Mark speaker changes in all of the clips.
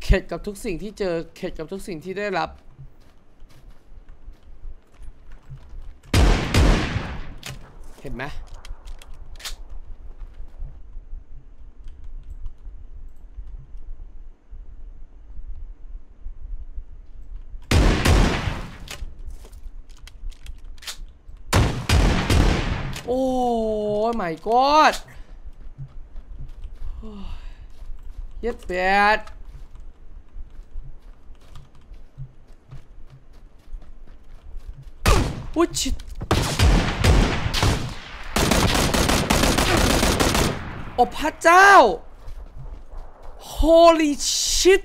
Speaker 1: เข็ดกับทุกสิ่งที่เจอเข็ดกับทุกสิ่งที่ได้รับเห็นไหมโอ้ย my god เย็ดแปดอุ้ยชิดโอ้พระเจ้า holy shit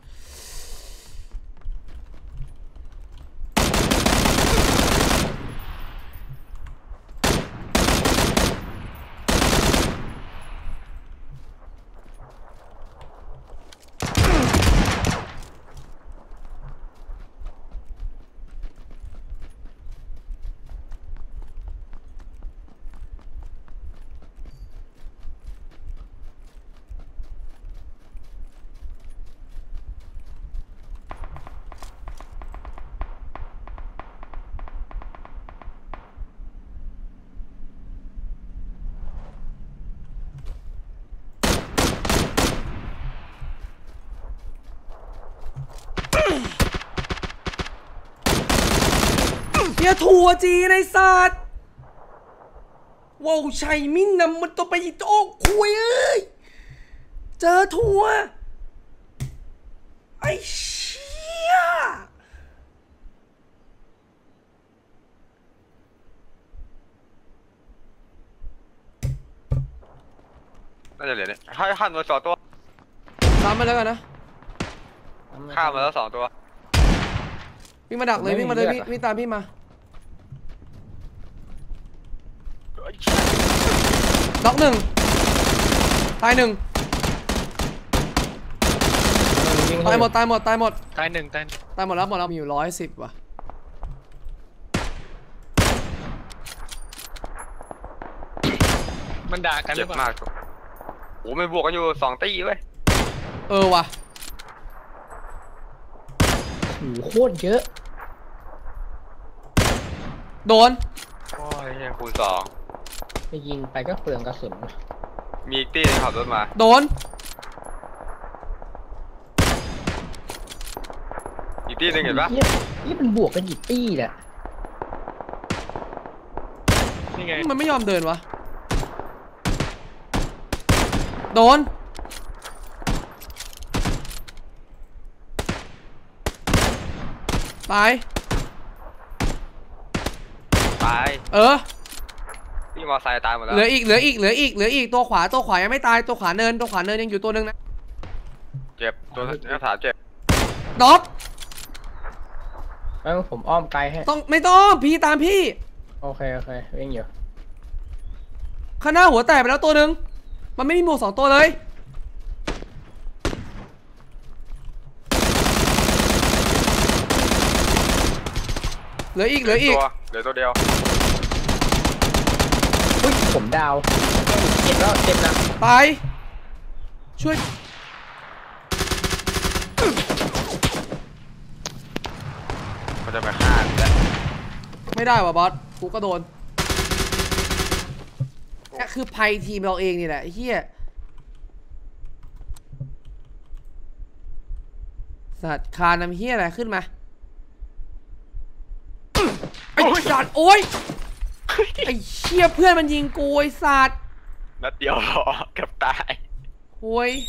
Speaker 1: เฮียทัวจีในสัตว์ว้าวชัยมินนำมันตัวไปโอ้คุยเอ้ยเจอทัวไอ้เชี่ย
Speaker 2: น่าจะเหลือเนี่ยให้ข้ามมา2 ตัว
Speaker 1: ตามมาแล้วกันนะ
Speaker 2: ข้ามมาแล้ว2 ตัว
Speaker 1: วิ่งมาดักเลยวิ่งมาเลยวิ่งตามพี่มาน็อก1ตาย1ตายหมดตาย1
Speaker 3: ตาย
Speaker 1: หมดแล้วมีอยู่110ว่ะ
Speaker 3: มันด่ากันหรือเปล่ามาก
Speaker 2: โอ้ไม่บวกกันอยู่2 ตีเว้ย
Speaker 1: ว่ะ
Speaker 4: โอ้โหโคตรเยอะ
Speaker 1: โดน
Speaker 2: โอ้ยยังคูณ2
Speaker 4: ไปยิงไปก็เปลืองกระสุน
Speaker 2: มีอีกตีนึงขับรถมา
Speaker 1: โดน
Speaker 2: อีกตีนึงเห็นปะ
Speaker 4: นี่มันบวกกันกี่ตีแหละ
Speaker 3: นี่ไง
Speaker 1: มันไม่ยอมเดินวะโดนตาย
Speaker 2: พี่มอไซค์ตายหมดแล้ว
Speaker 1: เหลืออีกตัวขวายังไม่ตายตัวขวาเนินยังอยู่ตัวนึงนะ
Speaker 2: เจ็บตัวนักฐานเจ็บ
Speaker 1: ด็อก
Speaker 4: แล้วผมอ้อมไกลให้
Speaker 1: ไม่ต้องพี่ตามพี่
Speaker 4: โอเควิ่งอยู่
Speaker 1: ข้างหน้าหัวแตกไปแล้วตัวนึงมันไม่มีหมวก2 ตัวเลยเหลืออีก
Speaker 2: เหลือตัวเดียว
Speaker 4: อุ้ยผมดาวเจ็บนะ
Speaker 1: ตายช่วย
Speaker 2: มันจะไปฆ่าแล้ว
Speaker 1: ไม่ได้ว่ะบอสกูก็โดนนี่คือภัยทีมเราเองนี่แหละเฮียสัตว์คานำเฮียอะไรขึ้นมาไอ้สัตว์โอ้ยไอ้เชี่ยเพื่อนมันยิงกูไอ้สัตว์
Speaker 2: นัดเดียวหรอกับตาย
Speaker 1: โอ้ย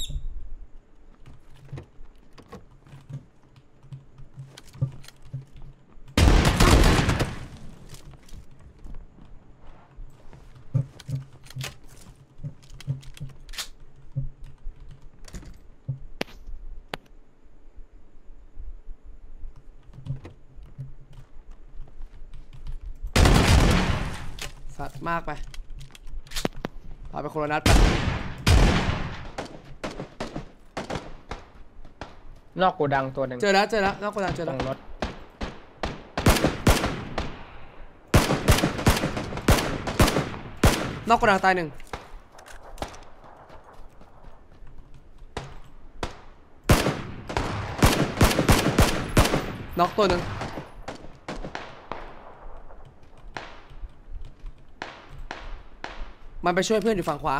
Speaker 1: สัตว์มากไปพาไปโคโรนัสไป
Speaker 4: นอกโกดังตัวหนึ่ง
Speaker 1: เจอแล้วนอกโกดังเจอแล้ว
Speaker 4: รถ
Speaker 1: นอกโกดังตาย1 น็อกตัวหนึ่งมันไปช่วยเพื่อนอยู่ฝั่งขวา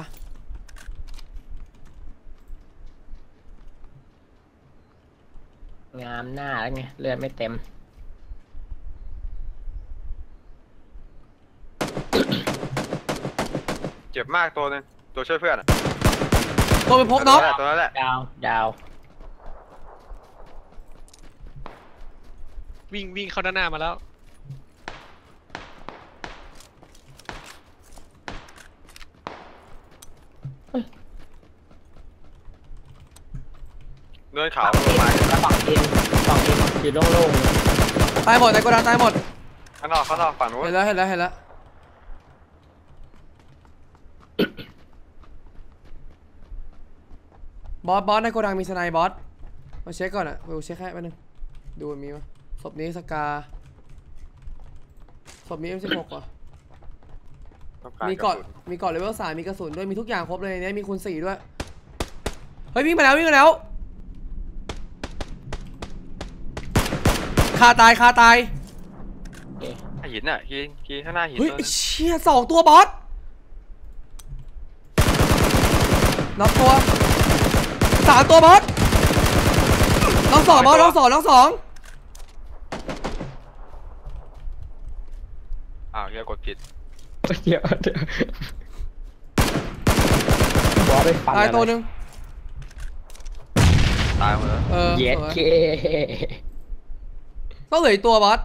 Speaker 4: งามหน้าแล้วไงเลือดไม่เต็ม
Speaker 2: เจ็บมากตัวหนึงตัวช่วยเพื่อนอะ
Speaker 1: ตัวไปพกน็อก
Speaker 2: ตัวนั้นแหละ
Speaker 4: ดาวดาว
Speaker 3: วิ่งเข้าด้านหน้ามาแล้ว
Speaker 2: เนินเขา
Speaker 4: ฝั่ง
Speaker 2: ลงมา
Speaker 4: ฝั่งอินอยู่โล่งๆเลย
Speaker 1: ตายหมดในโกดังตายหมด
Speaker 2: ข้างนอกฝั่งนู้น
Speaker 1: เห็นแล้วบอสในโกดังมีสไนบอสมาเช็คก่อนอะไปเช็คให้แป๊บนึงดูมันมีมั้ยศพนี้สกาศพนี้ M16 ว่ะ
Speaker 2: ต้องาร
Speaker 1: มีเกาะเลเวล3มีกระสุนด้วยมีทุกอย่างครบเลยในนี้มีคูณ4ด้วยเฮ้ยวิ่งมาแล้วคาตาย
Speaker 4: โอเค
Speaker 2: หินอ่ะหินข้างหน้าหิน
Speaker 1: เฮ้ย
Speaker 2: ตัว
Speaker 1: ไอ้
Speaker 2: นึง
Speaker 1: เชี่ย2ตัวบอสน็อกตัว3ตัวบอสน้อง2บอสน้อง2
Speaker 2: อ้าวเฮียกดผิด
Speaker 4: เดี๋ยวบอสไปฟัน
Speaker 1: ตายตัวหนึ่ง
Speaker 2: ตายหมดแล้ว
Speaker 4: เย็ด
Speaker 1: สวย
Speaker 4: เค
Speaker 1: ต้องเหลืออีกตัวบอส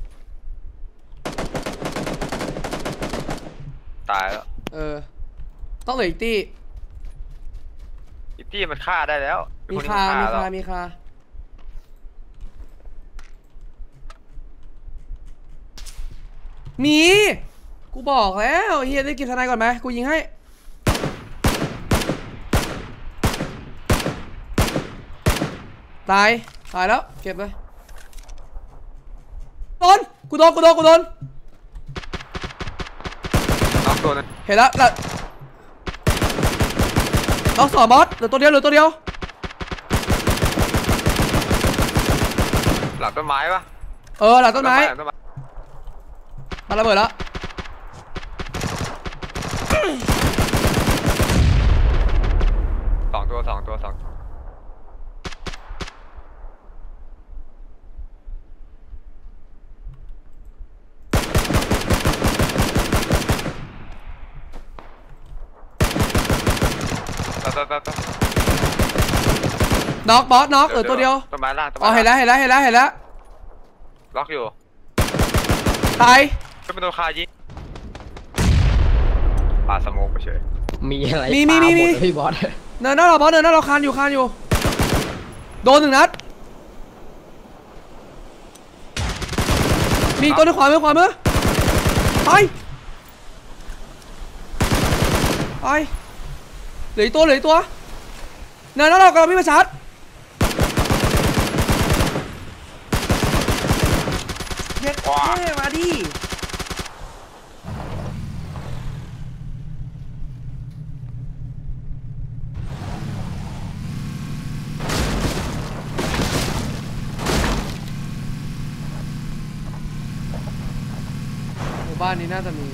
Speaker 2: ตายแล้ว
Speaker 1: ต้องเหลืออีกตี้
Speaker 2: อิตตี้มันฆ่าได้แล้ว
Speaker 1: มี
Speaker 2: นที่
Speaker 1: คา
Speaker 2: น
Speaker 1: มี
Speaker 2: แล้ว
Speaker 1: คามีกูบอกแล้วเฮียได้กินทนายก่อนไหมกูยิงให้ตายแล้วเก็บเลยกูโดน
Speaker 2: น็อกตัวนึง
Speaker 1: เห็นแล้วน้อง2บอสเหลือตัวเดียว
Speaker 2: หลังต้นไม้ปะ
Speaker 1: หลังต้นไม้
Speaker 2: หลังต้นไม้
Speaker 1: มาระเบิดแล้ว
Speaker 2: สองตัว
Speaker 1: น็อกบอสน็อกเหลือตัวเดียว
Speaker 2: ต้นไม้ล่างต้นไม้
Speaker 1: อ๋อเห็นแล้ว
Speaker 2: ล็อกอยู่
Speaker 1: ตาย
Speaker 2: ก็เป็นตัวคายิงปาสโมกไปเฉย
Speaker 4: มีอะไร
Speaker 1: มี
Speaker 4: ปาหดเลยพี่บอส
Speaker 1: เนินหน้าเราบอสเนินหน้าเราคานอยู่โดน1 นัดมีอีกตัวในขวามือไปเหลืออีกตัวเนินหน้าเรากำลังวิ่งมาชาร์จเด็ดเท่มาดิบ้านนี้น่าจะมี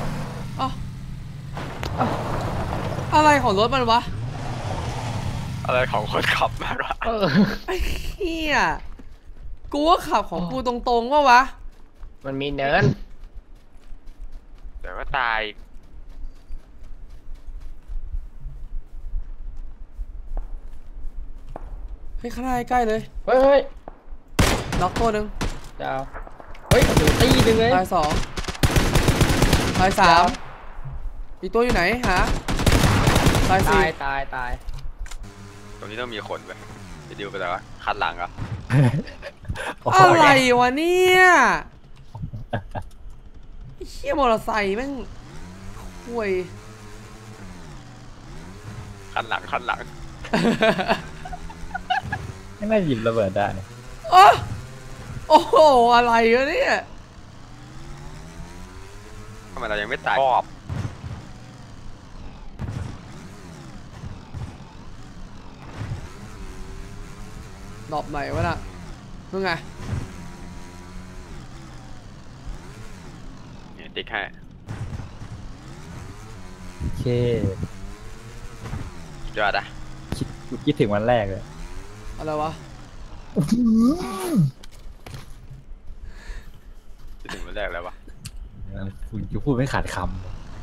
Speaker 1: อะไรของรถมันวะ
Speaker 2: อะไรของคนขับมากวะ
Speaker 1: ไอ้เหี้ยกูว่าขับของกูตรงๆว่าวะ
Speaker 4: มันมีเนิน
Speaker 2: แต่ว่าตาย
Speaker 1: เฮ้ยข้างหน้าใกล้เลย
Speaker 4: เฮ้ย
Speaker 1: น็อกตัวหนึ่ง
Speaker 4: ดาวเฮ้ยดูตีหนึ่งเลย
Speaker 1: ตาย2ตาย3อีกตัวอยู่ไหนหาตาย
Speaker 4: ตาย
Speaker 1: 4
Speaker 4: ตาย
Speaker 2: ตรงนี้ต้องมีคนไปไปดิวไปแล้ววะคันหลังเหรอ่ะ
Speaker 1: อะไรวะเนี่ยไอ้เหี้ยมอเตอร์ไซค์แม่งห่วย
Speaker 2: คันหลัง
Speaker 5: ไม่น่าหยิบระเบิดได้
Speaker 1: โอ้โหอะไรวะเนี่ย
Speaker 2: ทำไมเรายังไม่ตายชอบ
Speaker 1: ดรอปไหนวะน่ะนู่นไง
Speaker 2: ติ๊กให้
Speaker 5: โอเค
Speaker 2: ยอดอะ
Speaker 5: คิดถึงวันแรกเลย
Speaker 1: อะไรวะ
Speaker 2: จะถึงวันแรกแล้ววะ
Speaker 5: คุณจะพูดไม่ขาดคำ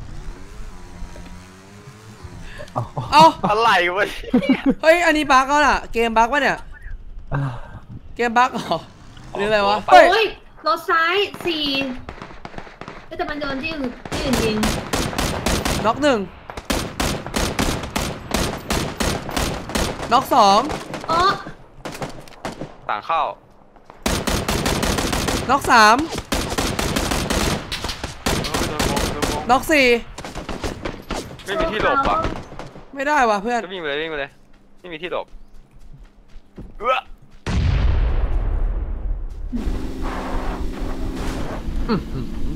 Speaker 5: เอา
Speaker 1: เอ้า
Speaker 2: อะไรวะ
Speaker 1: เฮ้ย อันนี้บั๊กแล้วน่ะ เกมบั๊กวะเนี่ย เกมบั๊กเหรอหรืออะไรวะ
Speaker 6: โอ้
Speaker 1: เฮ้ย
Speaker 6: ยรถซ้าย4แต่มันโดนที่อื่นยิง
Speaker 1: น็อกหนึ่งน็อกสอง
Speaker 6: อ๋อ
Speaker 2: ต่างเข้า
Speaker 1: น็อกสาม
Speaker 2: โดนวง
Speaker 1: น็อกสี่
Speaker 2: ไม่มีที่หลบว่ะ
Speaker 1: ไม่ได้ว่ะเพื่อน
Speaker 2: ก็วิ่งไปเลยไม่มีที่หลบเอื้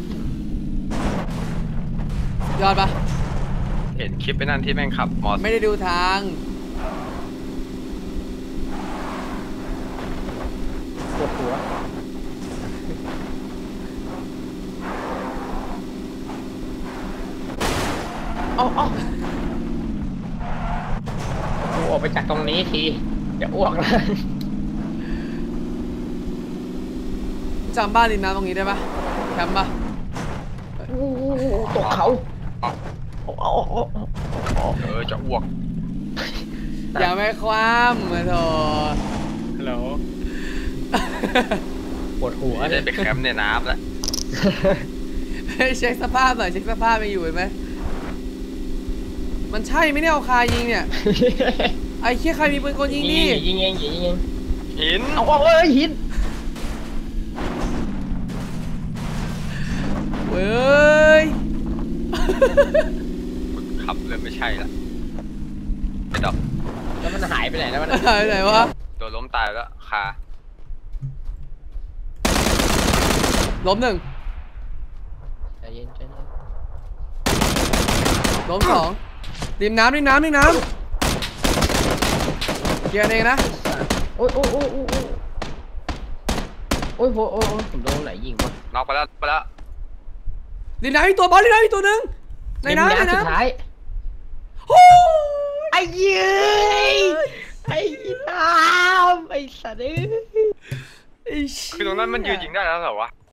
Speaker 2: อย
Speaker 1: อดปะ
Speaker 2: เห็นคลิปไปนั่นที่แม่งขับมอเตอร์
Speaker 1: ไม่ได้ดูทาง
Speaker 4: ปวดหัวเอากูออกไปจากตรงนี้ทีจะอ้วกแล้ว
Speaker 1: จำบ้านริมน้ำตรงนี้ได้ปะแคมป์ปะ
Speaker 4: ตกเขา
Speaker 2: จะอ้วก
Speaker 1: อย่าไม่คว่ำมาโถ
Speaker 3: ฮัลโหล
Speaker 4: ปวดหัว
Speaker 2: ได้ไปแคมป์ในน้ำแล้ว
Speaker 1: ให้เช็คสภาพหน่อยเช็คสภาพยังอยู่ไหมมันใช่ไหมเนี่ยเอาคายิงเนี่ย ไอ้เคี้ยใครมีปืนกลยิงดิ
Speaker 4: ยิงเอง
Speaker 2: หิน
Speaker 4: เอาหิน
Speaker 1: เว้ย
Speaker 2: ขับเลยไม่ใช่ละไอ้ดอก
Speaker 4: แล้วมันหายไปไหนแล้วมัน
Speaker 1: ไหนวะ
Speaker 2: โดนล้มตายแล้วคา
Speaker 1: ล้มหนึ่ง
Speaker 4: ใจเย็น
Speaker 1: ล้มสองริมน้ำเคลียร์เองนะ
Speaker 4: โอ้ยผมโดนไหนยิงวะ
Speaker 2: น็อกไปแล้ว
Speaker 1: ริมน้ำอีกตัวบอลริมน้ำอีกตัวหนึ่งในน้ำ
Speaker 4: สุดท้าย
Speaker 1: โอ้
Speaker 4: ไอ้เย้ยไอ้น้ำไอ้สัตว์
Speaker 1: ไอ้
Speaker 2: คือตรงนั้นมันยืนยิงได้แล้วเหรอวะ